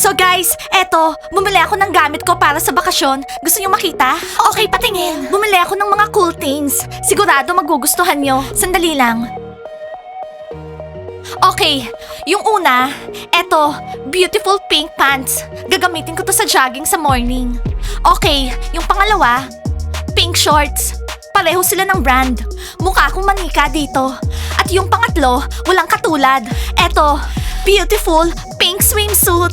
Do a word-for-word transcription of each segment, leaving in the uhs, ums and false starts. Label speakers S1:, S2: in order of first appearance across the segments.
S1: So guys, eto, bumili ako ng gamit ko para sa bakasyon. Gusto niyo makita? Okay, patingin. Bumili ako ng mga cool things. Sigurado magugustuhan niyo. Sandali lang. Okay, yung una, eto, beautiful pink pants. Gagamitin ko to sa jogging sa morning. Okay, yung pangalawa, pink shorts. Pareho sila ng brand. Mukha akong manika dito. At yung pangatlo, walang katulad. Eto, beautiful pink swimsuit.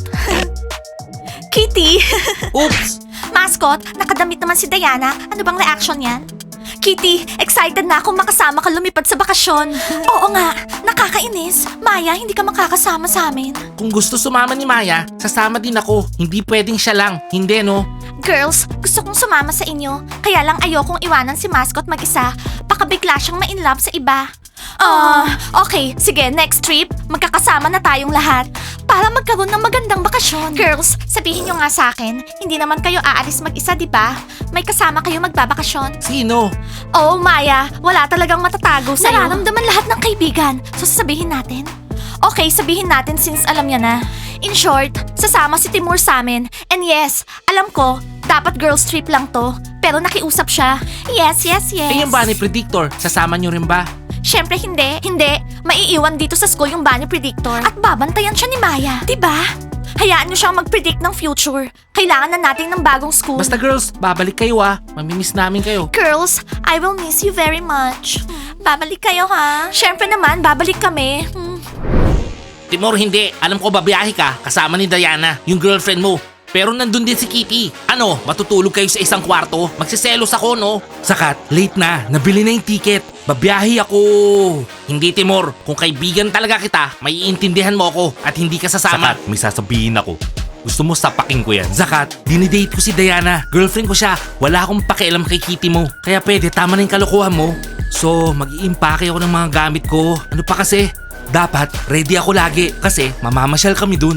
S1: Kitty.
S2: Oops!
S1: Mascot, nakadamit naman si Diana. Ano bang reaction yan? Kitty, excited na akong makasama ka lumipad sa bakasyon. Oo nga, nakakainis. Maya, hindi ka makakasama sa amin.
S2: Kung gusto sumama ni Maya, sasama din ako. Hindi pwedeng siya lang. Hindi, no?
S1: Girls, gusto kong sumama sa inyo. Kaya lang ayokong iwanan si Mascot mag-isa. Baka bigla siyang ma-inlove sa iba. Ah, okay. Sige, next trip, magkakasama na tayong lahat. Para magkaroon ng magandang bakasyon. Girls, sabihin nyo nga sa akin, hindi naman kayo aalis mag-isa, di ba? May kasama kayo magbabakasyon.
S2: Sino?
S1: Oh, Maya, wala talagang matatago sa'yo. Nararamdaman lahat ng kaibigan. So, sasabihin natin? Okay, sabihin natin since alam niya na. In short, sasama si Timur sa amin. And yes, alam ko, dapat girls trip lang to. Pero nakiusap siya. Yes, yes, yes.
S2: Eh yung Bunny Predictor, sasama niyo rin ba?
S1: Siyempre hindi. Hindi. Maiiwan dito sa school yung Bunny Predictor. At babantayan siya ni Maya. Diba? Hayaan niyo siyang mag-predict ng future. Kailangan na natin ng bagong school.
S2: Basta girls, babalik kayo ah. Mamimiss namin kayo.
S1: Girls, I will miss you very much. Babalik kayo ha? Siyempre naman, babalik kami. Hmm.
S2: Timur, hindi. Alam ko babiyahe ka kasama ni Diana, yung girlfriend mo. Pero nandun din si Kitty. Ano, matutulog kayo sa isang kwarto? Magsiselos ako, no? Sakat, late na. Nabili na yung ticket. Babiyahe ako. Hindi, Timur. Kung kaibigan talaga kita, maiintindihan mo ako at hindi ka sasama. Sakat, may sasabihin ako. Gusto mo sapakin ko yan? Zakat, dinidate ko si Diana. Girlfriend ko siya. Wala akong pakialam kay Kitty mo. Kaya pwede, tama na yung kalokohan mo. So, mag-iimpake ako ng mga gamit ko. Ano pa kasi? Dapat, ready ako lagi. Kasi, mamamasyal kami dun.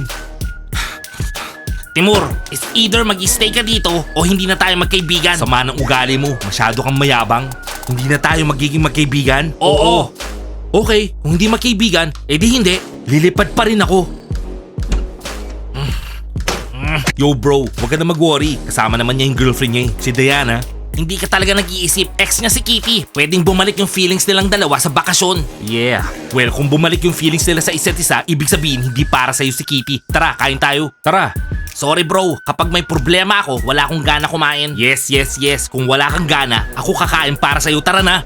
S2: Timur, is either mag-stay ka dito o hindi na tayo magkaibigan. Sama ng ugali mo. Masyado kang mayabang. Hindi na tayo magiging magkaibigan? Oo. Okay, kung hindi magkaibigan, edi hindi. Lilipad pa rin ako. Yo bro, huwag ka na mag-worry. Kasama naman niya yung girlfriend niya, eh, si Diana. Hindi ka talaga nag-iisip. Ex niya si Kitty. Pwedeng bumalik yung feelings nilang dalawa sa bakasyon. Yeah. Well, kung bumalik yung feelings nila sa isa't isa, ibig sabihin hindi para sa'yo si Kitty. Tara, kain tayo. Tara. Sorry bro, kapag may problema ako, wala akong gana kumain. Yes, yes, yes. Kung wala kang gana, ako kakain para sa'yo. Tara na.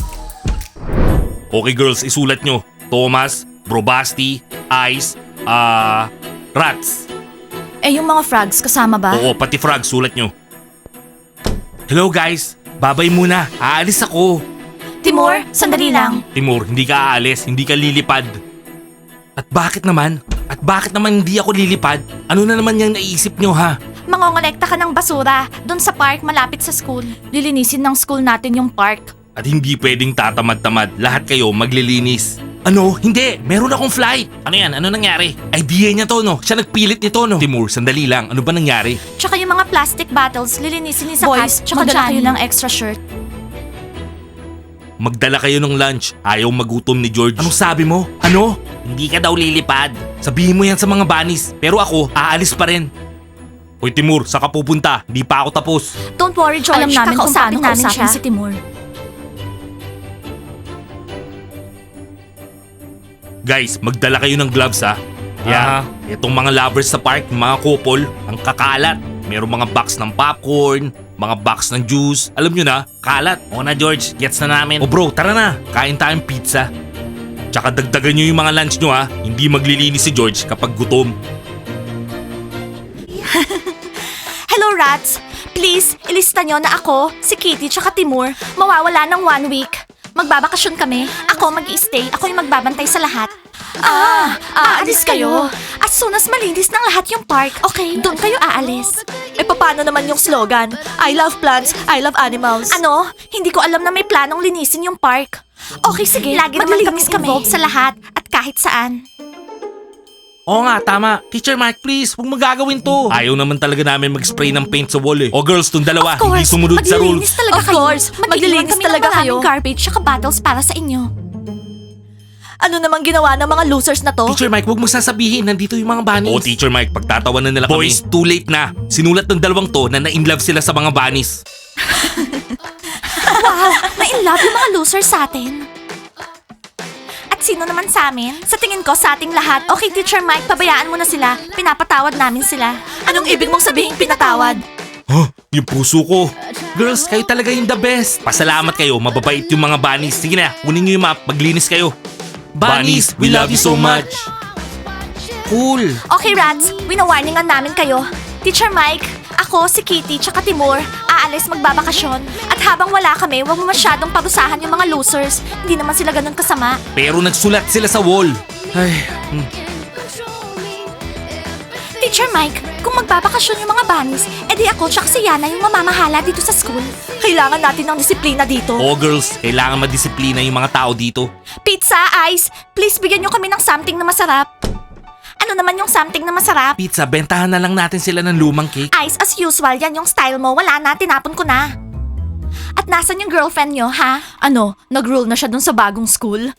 S2: Okay girls, isulat nyo. Thomas, Brobasti, Ice, ah, Rats.
S1: Eh, yung mga frogs, kasama ba?
S2: Oo, pati frog, sulat nyo. Hello guys, babay muna. Aalis ako.
S1: Timur, sandali lang.
S2: Timur, hindi ka aalis, hindi ka lilipad. At bakit naman? At bakit naman hindi ako lilipad? Ano na naman yung naisip nyo ha?
S1: Mangongolekta ka ng basura doon sa park malapit sa school. Lilinisin ng school natin yung park.
S2: At hindi pwedeng tatamad-tamad. Lahat kayo maglilinis. Ano? Hindi! Meron akong flight! Ano yan? Ano nangyari? Idea niya to, no? Siya nagpilit nito, no? Timur, sandali lang. Ano ba nangyari?
S1: Tsaka yung mga plastic bottles, lilinisin ni Sakat.
S3: Boys,
S1: tsaka
S3: magdala
S1: Johnny.
S3: kayo ng extra shirt.
S2: Magdala kayo ng lunch. Ayaw magutom ni George. Anong sabi mo? Ano? Hindi ka daw lilipad. Sabihin mo yan sa mga bunnies. Pero ako, aalis pa rin. Hoy Timur, saan ka pupunta? Hindi pa ako tapos.
S1: Don't worry, George.
S3: Alam namin kung
S1: Kakausapin
S3: paano
S1: namin
S3: kausapin
S1: siya.
S3: si Timur.
S2: Guys, magdala kayo ng gloves ha. Yeah, itong mga lovers sa park, mga couple, ang kakalat. Merong mga box ng popcorn, mga box ng juice. Alam nyo na, kalat. O na George, gets na namin. O bro, tara na. Kain tayong pizza. Tsaka dagdagan nyo yung mga lunch nyo ha. Hindi maglilinis si George kapag gutom.
S1: Hello, Rats. Please, ilista nyo na ako, si Kitty tsaka Timur, mawawala ng one week. Magbabakasyon kami. Ako mag-i-stay. Ako yung magbabantay sa lahat. Ah, aalis kayo. As soon as malinis ng lahat yung park, okay, doon kayo aalis. Eh, paano naman yung slogan? I love plants, I love animals. Ano? Hindi ko alam na may planong linisin yung park. Okay, sige. Lagi naman kami involved sa lahat at kahit saan.
S2: Oo nga, tama. Teacher Mike, please, huwag magagawin to. Ayaw naman talaga namin mag-spray ng paint sa wall eh. O girls, tong dalawa,
S1: Of
S2: hindi
S1: course,
S2: sumunod sa rules.
S1: maglilinis talaga
S3: Of
S1: kayo.
S3: course,
S1: Mag-iiwan
S3: maglilinis
S1: kami
S3: talaga
S1: ng maraming
S3: kayo.
S1: garbage tsaka bottles para sa inyo. Ano namang ginawa ng mga losers na to?
S2: Teacher Mike, huwag mo sasabihin, nandito yung mga bunnies. Oo, Teacher Mike, pagtatawanan nila kami. Boys, too late na. Sinulat ng dalawang to na na-inlove sila sa mga bunnies.
S1: Wow, na-inlove yung mga losers sa atin. At sino naman sa amin? Sa tingin ko, sa ating lahat. Okay, Teacher Mike, pabayaan mo na sila. Pinapatawad namin sila. Anong ibig mong sabihin pinatawad?
S2: Huh? Yung puso ko. Girls, kayo talaga yung the best. Pasalamat kayo, mababait yung mga bunnies. Sige na, kunin nyo yung map, maglinis kayo. Bunnies, we love you so much. Cool.
S1: Okay, Rats, winawarningan namin kayo. Teacher Mike, ako, si Kitty, tsaka Timur, aalis magbabakasyon. At habang wala kami, huwag mo masyadong parusahan yung mga losers. Hindi naman sila ganun kasama.
S2: Pero nagsulat sila sa wall. Ay, hmm.
S1: Teacher Mike, kung magbabakasyon yung mga bunnies, edi ako tsaka si Yana yung mamamahala dito sa school. Kailangan natin ng disiplina dito.
S2: Oh girls, kailangan madisiplina yung mga tao dito.
S1: Pizza, Ice, please bigyan nyo kami ng something na masarap. Ano naman yung something na masarap?
S2: Pizza, bentahan na lang natin sila ng lumang cake.
S1: Ice, as usual, yan yung style mo. Wala na, tinapon ko na. At nasan yung girlfriend nyo, ha? Ano, nag-rule na siya dun sa bagong school?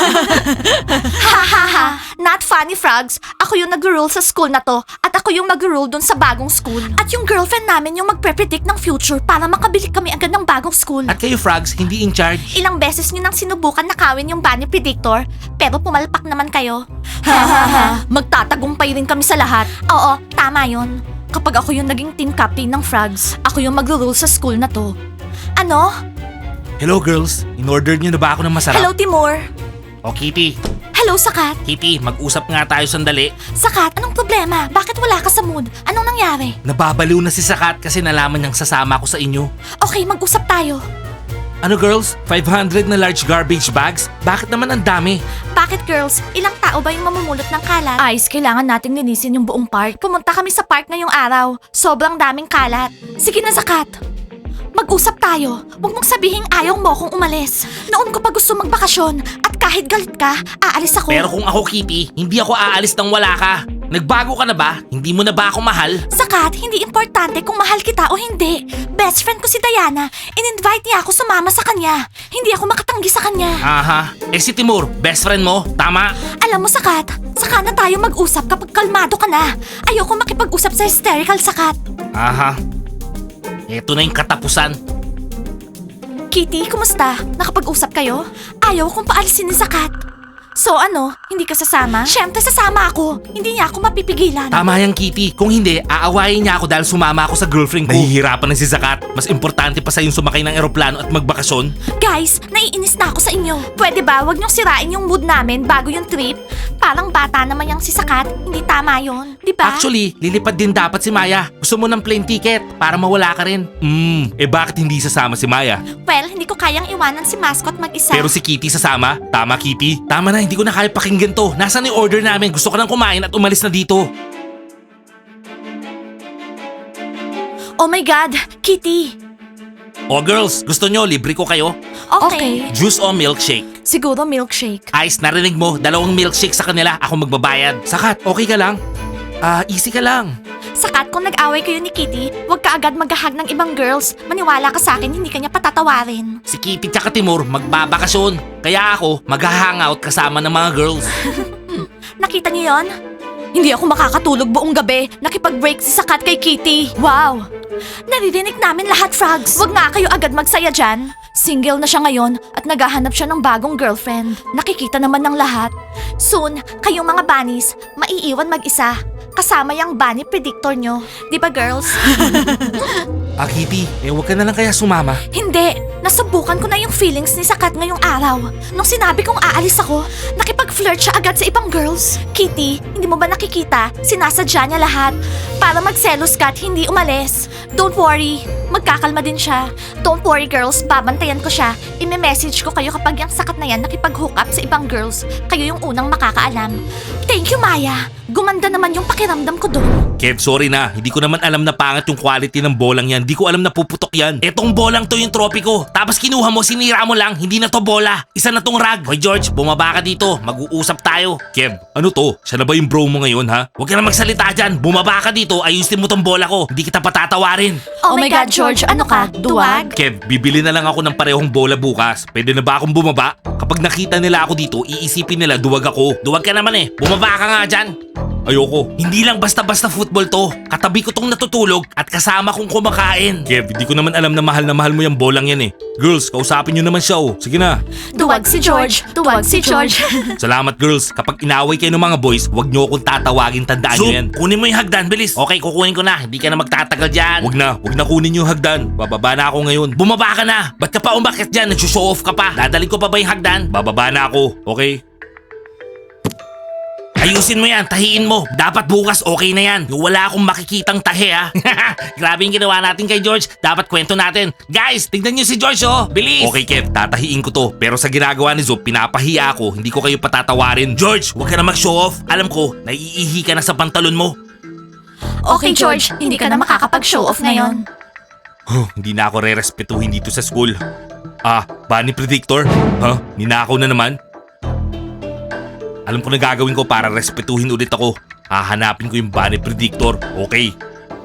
S1: Ha ha ha! Not funny, frogs. Ako yung nag-rule sa school na to. At ako yung mag-rule dun sa bagong school. At yung girlfriend namin yung magpre-predict ng future para makabili kami agad ng bagong school.
S2: At kayo frogs, hindi in charge.
S1: Ilang beses nyo nang sinubukan nakawin yung bunny predictor, pero pumalpak naman kayo. Ha ha ha! Magtatagumpay rin kami sa lahat. Oo, tama yun. Kapag ako yung naging team captain ng frogs, ako yung mag-rule sa school na to. Ano?
S2: Hello girls, in-order nyo na ba ako ng masarap?
S1: Hello, Timur.
S2: O Kitty,
S1: Hello, Sakat.
S2: Kitty, mag-usap nga tayo sandali.
S1: Sakat, anong problema? Bakit wala ka sa mood? Anong nangyari?
S2: Nababaliw na si Sakat kasi nalaman niyang sasama ko sa inyo.
S1: Okay, mag-usap tayo.
S2: Ano girls? five hundred na large garbage bags? Bakit naman ang dami?
S1: Bakit, girls? Ilang tao ba yung mamumulot ng kalat? Ice, kailangan nating linisin yung buong park. Pumunta kami sa park ngayong araw. Sobrang daming kalat. Sige na, Sakat. Mag-usap tayo. Huwag mong sabihing ayaw mo kung umalis. Noon ko pa gusto magbakasyon at kahit galit ka, aalis ako.
S2: Pero kung ako Kitty, hindi ako aalis nang wala ka. Nagbago ka na ba? Hindi mo na ba ako mahal?
S1: Sakat, hindi importante kung mahal kita o hindi. Best friend ko si Diana. In-invite niya ako sumama sa kanya. Hindi ako makatanggi sa kanya.
S2: Aha. Eh si Timur, best friend mo? Tama?
S1: Alam mo, Sakat, saka na tayo mag-usap kapag kalmado ka na. Ayoko makipag-usap sa hysterical, Sakat.
S2: Aha. Eto na yung katapusan.
S1: Kitty, kumusta? Nakapag-usap kayo? Ayaw kong paalisin ni Sakat. So ano, hindi ka sasama? Siyempre sasama ako. Hindi niya ako mapipigilan.
S2: Tama yan Kitty. Kung hindi, aawayin niya ako dahil sumama ako sa girlfriend ko. Nahihirapan na si Sakat. Mas importante pa sa yung sumakay ng eroplano at magbakasyon.
S1: Guys, naiinis na ako sa inyo. Pwede ba wag niyong sirain yung mood namin bago yung trip? Parang bata naman yung si Sakat. Hindi tama yon, di ba?
S2: Actually, lilipad din dapat si Maya. Gusto mo ng plane ticket para mawala ka rin. Hmm, eh bakit hindi sasama si Maya?
S1: Well, hindi ko kayang iwanan si Mascot mag-isa.
S2: Pero si Kitty sasama? Tama Kitty? Tama na, hindi ko na kaya pakinggan to. Nasaan yung order namin? Gusto ko nang kumain at umalis na dito.
S1: Oh my God, Kitty.
S2: Oh girls, gusto nyo libre ko kayo?
S1: Okay.
S2: Juice o milkshake?
S1: Siguro milkshake.
S2: Ice, narinig mo, dalawang milkshake sa kanila, ako magbabayad. Sakat, okay ka lang? Ah, easy ka lang.
S1: Sakat, kung nag-away kayo ni Kitty, huwag ka agad maghahag ng ibang girls. Maniwala ka sa akin, hindi ka niya patatawarin.
S2: Si Kitty tsaka Timur magbabakasyon. Kaya ako mag-hangout kasama ng mga girls.
S1: Nakita niyo yon? Hindi ako makakatulog buong gabi. Nakipag-break si Sakat kay Kitty. Wow! Naririnig namin lahat, frogs. Huwag nga kayo agad magsaya dyan. Single na siya ngayon at naghahanap siya ng bagong girlfriend. Nakikita naman ng lahat. Soon, kayong mga bunnies, maiiwan mag-isa. Kasama yung bunny predictor nyo. Di ba, girls?
S2: Ah, Kitty, eh wag ka na lang kaya sumama.
S1: Hindi. Nasubukan ko na yung feelings ni Sakat ngayong araw. Nung sinabi kong aalis ako, nakipag-flirt siya agad sa ibang girls. Kitty, hindi mo ba nakikita? Sinasadya niya lahat. Para magselos ka at hindi umalis. Don't worry. Magkakalma din siya. Don't worry, girls. Babantayan ko siya. Ime-message ko kayo kapag yung Sakat na yan nakipag-hook up sa ibang girls. Kayo yung unang makakaalam. Thank you, Maya. Gumanda naman yung pakiramdam ko doon.
S2: Kev, sorry na. Hindi ko naman alam na pangit yung quality ng bolang yan. Hindi ko alam na puputok yan. Etong bolang to yung trophy ko. Tapos kinuha mo, sinira mo lang. Hindi na to bola. Isa na tong rag. Hoy George, bumaba ka dito. Mag-uusap tayo. Kev, ano to? Siya na ba yung bro mo ngayon ha? Huwag ka na magsalita dyan. Bumaba ka dito. Ayusin mo tong bola ko. Hindi kita patatawarin.
S1: Oh, my God, George. Ano ka? Duwag?
S2: Kev, bibili na lang ako ng parehong bola bukas. Pwede na ba akong bumaba? Kapag Kapag nakita nila ako dito, iisipin nila duwag ako. Duwag ka naman eh. Bumaba ka nga dyan. Ayoko. Hindi lang basta-basta football to. Katabi ko tong natutulog at kasama kong kumakain. Kev, hindi ko naman alam na mahal na mahal mo yung bolang yan eh. Girls, kausapin nyo naman siya oh. Sige na.
S1: Duwag si George. Duwag si George.
S2: Salamat girls. Kapag inaway kayo ng mga boys, wag nyo akong tatawagin. Tandaan nyo yan. Kunin mo yung hagdan, bilis. Okay, kukunin ko na. Hindi ka na magtatagal dyan. Wag na. Wag na kunin yung hagdan. Bababa na ako ngayon. Bumaba ka na. Ba't ka pa umakit dyan? Nagsushow off ka pa. Dadalhin ko pa ba yung hagdan? Bababa na ako. Okay? Ayusin mo yan, tahiin mo. Dapat bukas okay na yan. Yung wala akong makikitang tahi ha. Grabe yung ginawa natin kay George. Dapat kwento natin. Guys, tignan nyo si George oh. Bilis. Okay Kev, tatahiin ko to. Pero sa ginagawa ni Zob, pinapahiya ako. Hindi ko kayo patatawarin. George, huwag ka na mag-show off. Alam ko, naiihi ka na sa pantalon mo.
S1: Okay, George. Hindi ka na makakapag-show off ngayon.
S2: Huh, hindi na ako re-respetuhin dito sa school. Ah, Bunny Predictor? Huh? Ninakaw na naman? Alam ko na gagawin ko para respetuhin ulit ako. Hahanapin ko yung Bunny Predictor. Okay.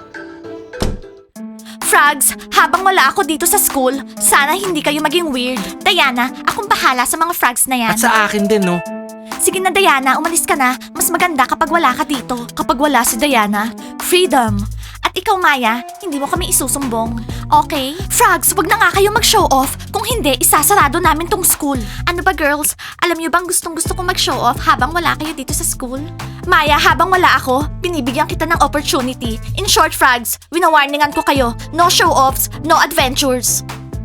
S1: Frogs, habang wala ako dito sa school, sana hindi kayo maging weird. Diana, akong bahala sa mga frogs na yan.
S2: At sa akin din, no?
S1: Sige na Diana, umalis ka na. Mas maganda kapag wala ka dito. Kapag wala si Diana, freedom. At ikaw Maya, hindi mo kami isusumbong. Okay? Frogs, wag na nga kayo mag-show off. Kung hindi, isasarado namin tong school. Ano ba girls? Alam niyo bang gustong gusto kong mag-show off habang wala kayo dito sa school? Maya, habang wala ako, binibigyan kita ng opportunity. In short, Frogs, winawarningan ko kayo. No show-offs, no adventures.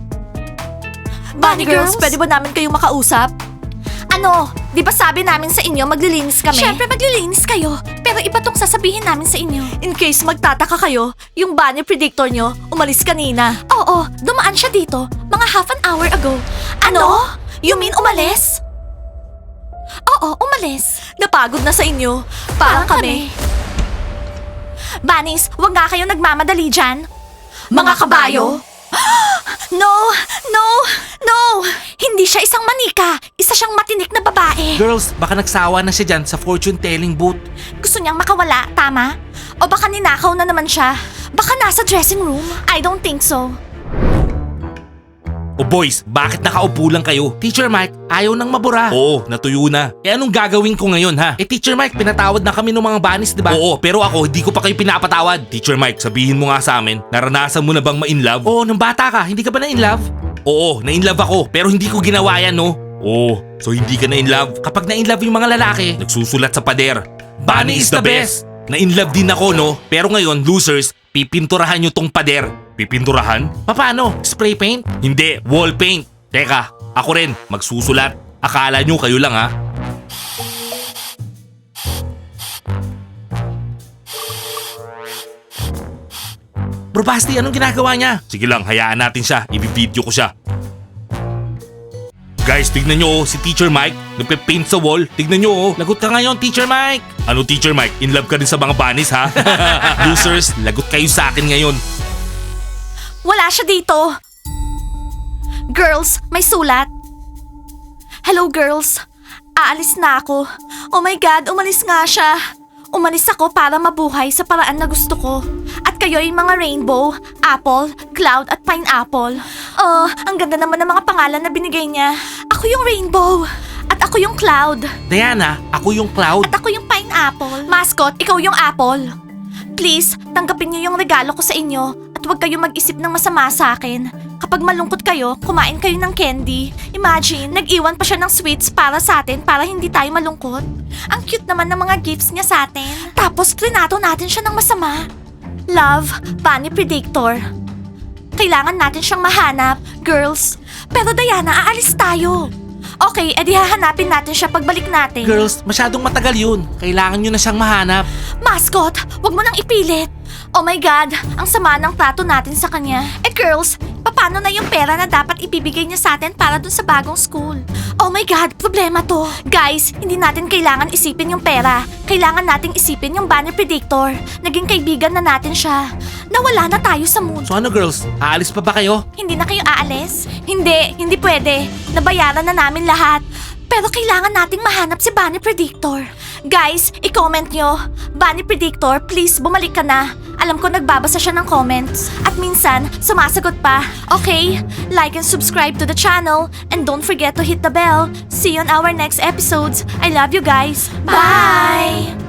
S1: Bunny girls, pwede ba namin kayong makausap? Ano? Di ba sabi namin sa inyo maglilinis kami? Siyempre maglilinis kayo. Pero iba tong sasabihin namin sa inyo. In case magtataka kayo, yung Bunny Predictor nyo umalis kanina. Oo, dumaan siya dito mga half an hour ago. Ano? You mean umalis? Oo, umalis. Napagod na sa inyo. Parang, kami. Bunnies, wag nga kayo nagmamadali dyan. Mga kabayo? No! No! No! Hindi siya isang manika. Isa siyang matinik na babae.
S2: Girls, baka nagsawa na siya dyan sa fortune telling booth.
S1: Gusto niyang makawala, tama? O baka ninakaw na naman siya. Baka nasa dressing room. I don't think so.
S2: O boys, bakit nakaupo lang kayo? Teacher Mike, ayaw nang mabura. Oo, natuyo na. Eh anong gagawin ko ngayon ha? Eh Teacher Mike, pinatawad na kami ng mga bunnies, di ba? Oo, pero ako hindi ko pa kayo pinapatawad. Teacher Mike, sabihin mo nga sa amin, naranasan mo na bang ma-inlove? Oo, nung bata ka, hindi ka ba na-inlove? Oo, na-inlove ako, pero hindi ko ginawa yan, no? Oo, so hindi ka na-inlove? Kapag na-inlove yung mga lalaki, nagsusulat sa pader, Bunny is the best! Na-inlove din ako, no? Pero ngayon, losers, pipinturahan nyo tong pader. Pipinturahan? Paano? Spray paint? Hindi, wall paint. Teka, ako rin, magsusulat. Akala nyo kayo lang ha? Bro Basti, anong ginagawa niya? Sige lang, hayaan natin siya. I-video ko siya. Guys, tignan nyo oh, si Teacher Mike, nagpe-paint sa wall. Tignan nyo oh, lagot ka ngayon, Teacher Mike. Ano Teacher Mike, in love ka din sa mga bunnies ha? Losers, lagot kayo sa akin ngayon.
S1: Wala siya dito. Girls, may sulat. Hello girls, aalis na ako. Oh my God, umalis nga siya. Umalis ako para mabuhay sa paraan na gusto ko. At kayo'y mga rainbow, apple, cloud at pineapple. Oh, ang ganda naman ng mga pangalan na binigay niya. Ako yung rainbow. At ako yung cloud.
S2: Diana, ako yung cloud.
S1: At ako yung pineapple. Mascot, ikaw yung apple. Please, tanggapin niyo yung regalo ko sa inyo. At huwag kayong mag-isip ng masama sa akin. Kapag malungkot kayo, kumain kayo ng candy. Imagine, nag-iwan pa siya ng sweets para sa atin para hindi tayo malungkot. Ang cute naman ng mga gifts niya sa atin. Tapos, trinato natin siya ng masama. Love, Bunny Predictor. Kailangan natin siyang mahanap, girls. Pero Diana, aalis tayo. Okay, edi hahanapin natin siya pagbalik natin.
S2: Girls, masyadong matagal yun. Kailangan nyo na siyang mahanap.
S1: Mascot, wag mo nang ipilit. Oh my God, ang sama ng trato natin sa kanya. Eh girls, paano na yung pera na dapat ibibigay niya sa atin para dun sa bagong school? Oh my God, problema to. Guys, hindi natin kailangan isipin yung pera. Kailangan nating isipin yung Bunny Predictor. Naging kaibigan na natin siya. Nawala na tayo sa mood.
S2: So ano girls, aalis pa ba kayo?
S1: Hindi na kayo aalis? Hindi, hindi pwede. Nabayaran na namin lahat. Pero kailangan nating mahanap si Bunny Predictor. Guys, i-comment nyo. Bunny Predictor, please bumalik ka na. Alam ko nagbabasa siya ng comments. At minsan, sumasagot pa. Okay? Like and subscribe to the channel. And don't forget to hit the bell. See you on our next episodes. I love you guys. Bye!